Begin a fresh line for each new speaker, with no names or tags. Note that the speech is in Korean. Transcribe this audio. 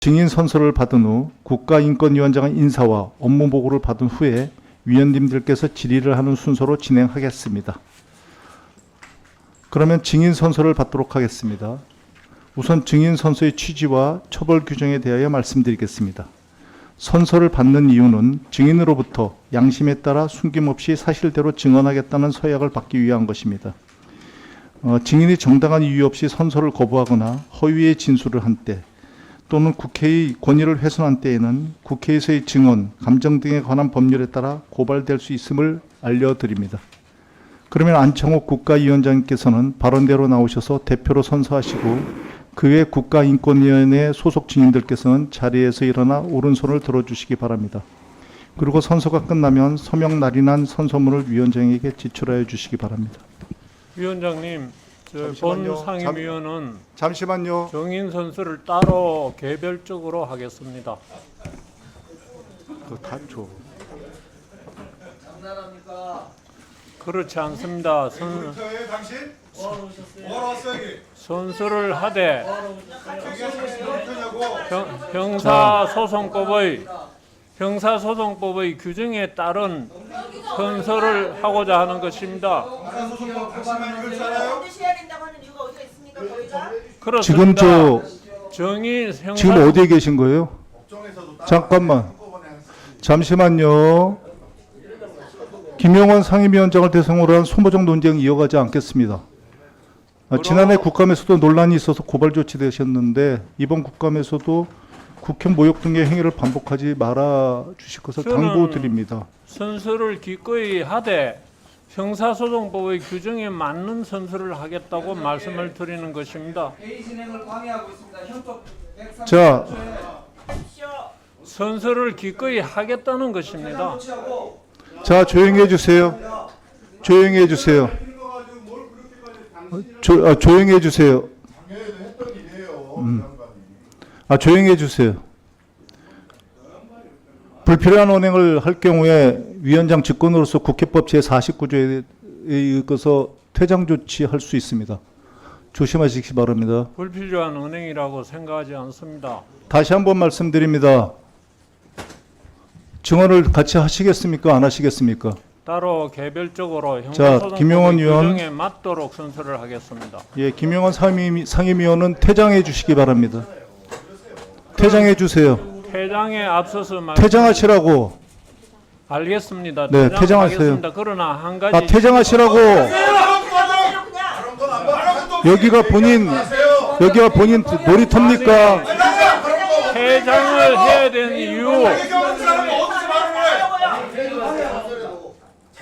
증인 선서를 받은 후 국가인권위원장의 인사와 업무 보고를 받은 후에 위원님들께서 질의를 하는 순서로 진행하겠습니다. 그러면 증인 선서를 받도록 하겠습니다. 우선 증인 선서의 취지와 처벌 규정에 대하여 말씀드리겠습니다. 선서를 받는 이유는 증인으로부터 양심에 따라 숨김없이 사실대로 증언하겠다는 서약을 받기 위한 것입니다. 증인이 정당한 이유 없이 선서를 거부하거나 허위의 진술을 한 때 또는 국회의 권위를 훼손한 때에는 국회에서의 증언, 감정 등에 관한 법률에 따라 고발될 수 있음을 알려드립니다. 그러면 안창호 국가위원장님께서는 발언대로 나오셔서 대표로 선서하시고 그 외 국가인권위원회 소속 증인들께서는 자리에서 일어나 오른손을 들어주시기 바랍니다. 그리고 선서가 끝나면 서명 날인한 선서문을 위원장에게 제출하여 주시기 바랍니다.
위원장님, 본 상임위원은
잠시만요.
증인 선수를 따로 개별적으로 하겠습니다.
그거 다 줘.
그렇지 않습니다. 선수를 하되 형사소송법의 규정에 따른 선서를 하고자 하는 것입니다.
지금
지금
어디에 계신 거예요? 잠깐만. 잠시만요. 김용원 상임위원장을 대상으로 한 소모적 논쟁 이어가지 않겠습니다. 지난해 국감에서도 논란이 있어서 고발 조치되셨는데 이번 국감에서도 국회 모욕 등의 행위를 반복하지 말아 주실 것을 당부드립니다.
선서를 기꺼이 하되 형사소송법의 규정에 맞는 선서를 하겠다고 말씀을 드리는 것입니다.
회의 진행을 방해하고 있습니다. 형법 130조.
자,
선서를 기꺼이 하겠다는 것입니다.
자, 조용히 해주세요. 조용히 해주세요. 조용히 해주세요. 조용히 해주세요. 불필요한 언행을 할 경우에 위원장 직권으로서 국회법 제49조에 의거서 퇴장 조치할 수 있습니다. 조심하시기 바랍니다.
불필요한 언행이라고 생각하지 않습니다.
다시 한번 말씀드립니다. 증언을 같이 하시겠습니까? 안 하시겠습니까?
따로 개별적으로
김용원
형사소송법의
의원.
규정에 맞도록 선서를 하겠습니다.
예, 김용원 상임위원은 퇴장해 주시기 바랍니다. 퇴장해 주세요.
퇴장에 앞서서
퇴장하시라고.
알겠습니다.
네,
퇴장하겠습니다. 그러나 한 가지
퇴장하시라고. 여기가 본인 놀이터입니까?
퇴장을 해야 되는 이유